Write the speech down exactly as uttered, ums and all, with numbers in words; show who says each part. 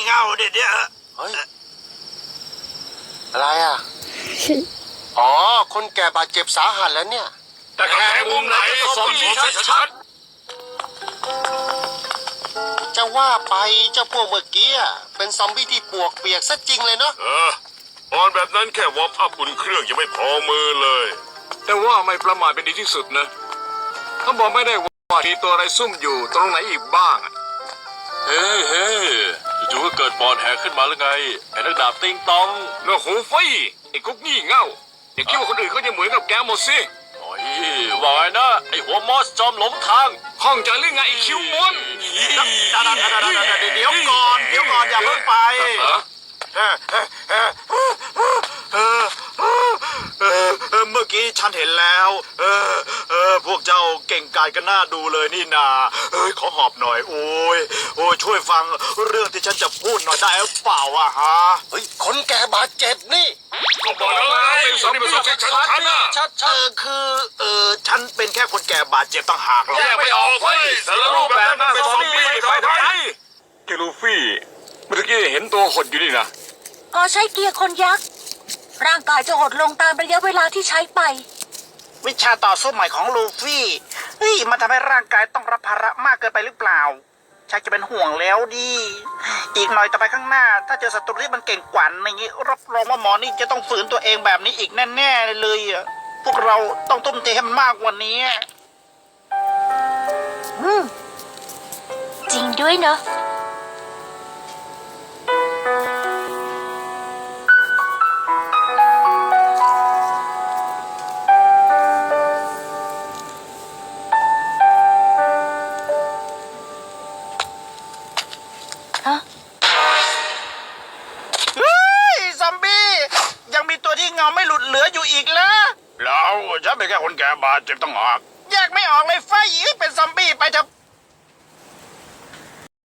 Speaker 1: เง่าเด็ดเนี่ย
Speaker 2: เฮ้ยอะไรอ่ะอ๋อคนแก่บาดเจ็บสาหัสแล้วเนี่ย
Speaker 1: แต่แค่มุมไหนสมบูรณ์ชัด
Speaker 2: จะว่าไปเจ้าพวกเมื่อกี้เป็นซอมบี้ที่ปวกเปียกซะจริงเลยเนาะ
Speaker 3: เออตอนแบบนั้นแค่วอร์มอัพอุ่นเครื่องยังไม่พอมือเลย
Speaker 1: แต่ว่าไม่ประมาทเป็นดีที่สุดนะเขาบอกไม่ได้ว่ามีตัวอะไรซุ่มอยู่ตรงไหนอีกบ้าง
Speaker 4: เฮ้เฮ้จู่ๆก็เกิดปอดแหกขึ้นมาหรือไงไอ้นักดาบติงตอง
Speaker 1: เนื้อหูฟี่ไอ้กุ๊กงี่เง่าอย่าคิดว่าคนอื่นเขาจะเหมือนกับแกหมดสิ
Speaker 4: โอ้ยว่าไงนะไอ้หัวมอสจอมหลงทาง
Speaker 1: ข้องใจหรือไงไอ้คิวมอน
Speaker 2: เดี๋ยวก่อนเดี๋ยวก่อนอย่าเพิ่งไป
Speaker 5: เมื่อกี้ฉันเห็นแล้วเออเออพวกเจ้าเก่งกาจกันน่าดูเลยนี่นาเอ้ยขอหอบหน่อยโอ้ยโอ้ยช่วยฟังเรื่องที่ฉันจะพูดหน่อยได้หรือเปล่าอะฮะ
Speaker 2: เฮ้ยคนแก่บาดเจ็บนี่
Speaker 1: ก็บอกแล้วไงสมบูรณ์ชัดชัดนะ
Speaker 5: ชัดเออคือเออฉันเป็นแค่คนแก่บาดเจ็บต่างหากหรอก
Speaker 1: แยกไม่ออกเว้ยแต่ละรูปแบบนั้นเป็นซอมบี้ไปทำไมเกลูฟี่เมื่อกี้เห็นตัวหดอยู่นี่นะ
Speaker 6: พอใช้เกียร์คนยักษ์ร่างกายจะหดลงตามระยะเวลาที่ใช้ไป
Speaker 5: วิชาต่อสู้ใหม่ของลูฟี่เฮ้ยมันทำให้ร่างกายต้องรับภาระมากเกินไปหรือเปล่าชักจะเป็นห่วงแล้วดิอีกหน่อยต่อไปข้างหน้าถ้าเจอศัตรูที่มันเก่งกว่าอย่างนี้รับรองว่าหมอนี่จะต้องฝืนตัวเองแบบนี้อีกแน่ๆเลยอ่ะพวกเราต้องทุ่มเทให้มันมากกว่านี้
Speaker 6: อืมจริงด้วยเนาะ
Speaker 5: ไม่หลุดเหลืออยู่อีกแล้ว
Speaker 1: แล้วฉันเป็นแค่คนแก่บาดเจ็บต้องหาก
Speaker 5: แยกไม่ออกเลยไฟเป็นซอมบี้ไปเถอะ